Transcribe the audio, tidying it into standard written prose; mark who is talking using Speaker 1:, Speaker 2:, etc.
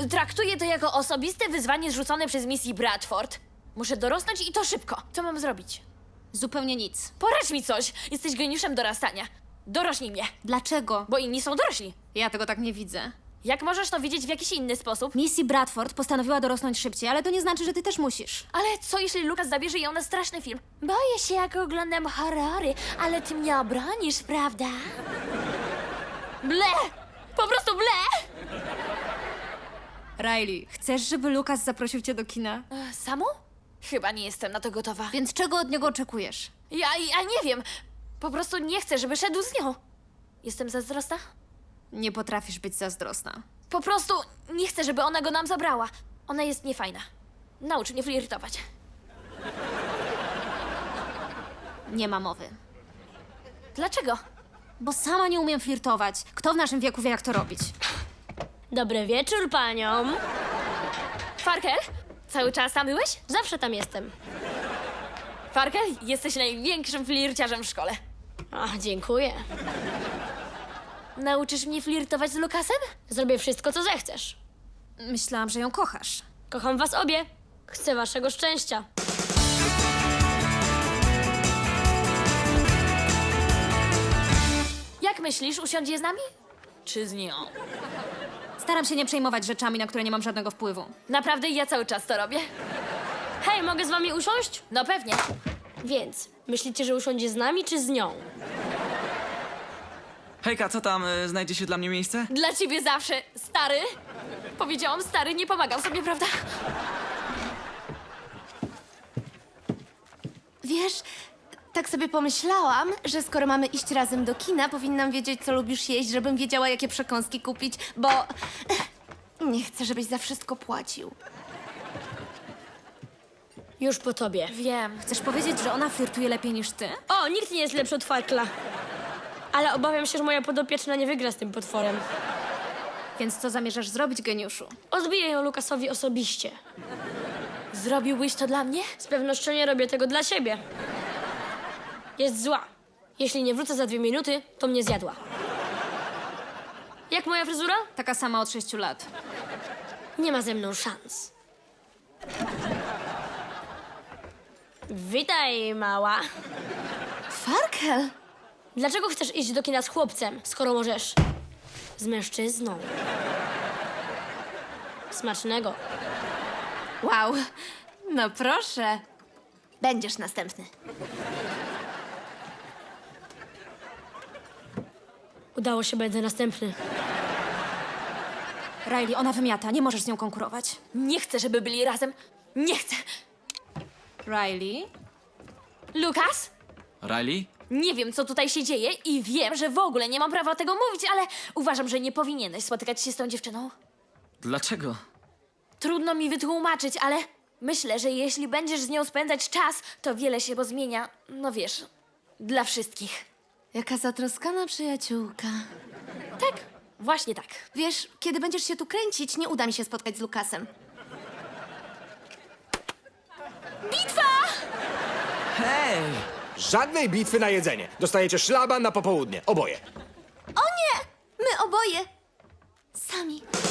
Speaker 1: Traktuję to jako osobiste wyzwanie zrzucone przez Missy Bradford. Muszę dorosnąć i to szybko. Co mam zrobić?
Speaker 2: Zupełnie nic.
Speaker 1: Poradź mi coś! Jesteś geniuszem dorastania. Dorośnij mnie,
Speaker 2: Dlaczego?
Speaker 1: bo inni są dorośli.
Speaker 2: Ja tego tak nie widzę.
Speaker 1: Jak możesz to widzieć w jakiś inny sposób?
Speaker 2: Missy Bradford postanowiła dorosnąć szybciej, ale to nie znaczy, że ty też musisz.
Speaker 1: Ale co jeśli Lucas zabierze ją na straszny film? Boję się, jak oglądam horrory, ale ty mnie obronisz, prawda? Ble! Po prostu ble!
Speaker 2: Riley, chcesz, żeby Lucas zaprosił cię do kina?
Speaker 1: Samo? Chyba nie jestem na to gotowa.
Speaker 2: Więc czego od niego oczekujesz?
Speaker 1: Ja nie wiem. Po prostu nie chcę, żeby szedł z nią. Jestem zazdrosna?
Speaker 2: Nie potrafisz być zazdrosna.
Speaker 1: Po prostu nie chcę, żeby ona go nam zabrała. Ona jest niefajna. Naucz mnie flirtować.
Speaker 2: Nie ma mowy.
Speaker 1: Dlaczego?
Speaker 2: Bo sama nie umiem flirtować. Kto w naszym wieku wie, jak to robić?
Speaker 3: Dobry wieczór paniom.
Speaker 1: Farkel? Cały czas tam byłeś?
Speaker 3: Zawsze tam jestem.
Speaker 1: Farkel, jesteś największym flirciarzem w szkole.
Speaker 3: Ach, dziękuję.
Speaker 1: Nauczysz mnie flirtować z Lukasem?
Speaker 3: Zrobię wszystko, co zechcesz.
Speaker 2: Myślałam, że ją kochasz.
Speaker 3: Kocham was obie. Chcę waszego szczęścia.
Speaker 1: Jak myślisz, usiądzie z nami? Czy z nią?
Speaker 2: Staram się nie przejmować rzeczami, na które nie mam żadnego wpływu.
Speaker 1: Naprawdę ja cały czas to robię.
Speaker 3: Hej, mogę z wami usiąść?
Speaker 1: No pewnie.
Speaker 3: Więc, myślicie, że usiądzie z nami czy z nią?
Speaker 4: Hejka, co tam? Znajdzie się dla mnie miejsce?
Speaker 1: Dla ciebie zawsze, stary. Powiedziałam stary, nie pomagał sobie, prawda?
Speaker 5: Wiesz, tak sobie pomyślałam, że skoro mamy iść razem do kina, powinnam wiedzieć, co lubisz jeść, żebym wiedziała, jakie przekąski kupić, bo nie chcę, żebyś za wszystko płacił.
Speaker 3: Już po tobie.
Speaker 1: Wiem.
Speaker 2: Chcesz powiedzieć, że ona flirtuje lepiej niż ty?
Speaker 3: O, nikt nie jest lepszy od Farkla. Ale obawiam się, że moja podopieczna nie wygra z tym potworem.
Speaker 2: Więc co zamierzasz zrobić, geniuszu?
Speaker 3: Odbiję ją Lukasowi osobiście.
Speaker 1: Zrobiłbyś to dla mnie?
Speaker 3: Z pewnością nie robię tego dla siebie. Jest zła. Jeśli nie wrócę za 2 minuty, to mnie zjadła. Jak moja fryzura?
Speaker 2: Taka sama od 6 lat.
Speaker 3: Nie ma ze mną szans. Witaj, mała.
Speaker 5: Farkel!
Speaker 3: Dlaczego chcesz iść do kina z chłopcem, skoro możesz z mężczyzną? Smacznego.
Speaker 5: Wow, no proszę. Będziesz następny.
Speaker 3: Udało się, będę następny.
Speaker 2: Riley, ona wymiata, nie możesz z nią konkurować.
Speaker 1: Nie chcę, żeby byli razem. Nie chcę.
Speaker 2: Riley?
Speaker 1: Lukas?
Speaker 4: Riley?
Speaker 1: Nie wiem, co tutaj się dzieje i wiem, że w ogóle nie mam prawa tego mówić, ale uważam, że nie powinieneś spotykać się z tą dziewczyną.
Speaker 4: Dlaczego?
Speaker 1: Trudno mi wytłumaczyć, ale myślę, że jeśli będziesz z nią spędzać czas, to wiele się pozmienia. No wiesz, dla wszystkich.
Speaker 5: Jaka zatroskana przyjaciółka.
Speaker 1: Tak, właśnie tak.
Speaker 5: Wiesz, kiedy będziesz się tu kręcić, nie uda mi się spotkać z Lukasem.
Speaker 4: Hej!
Speaker 6: Żadnej bitwy na jedzenie. Dostajecie szlaban na popołudnie. Oboje.
Speaker 5: O nie! My oboje! Sami.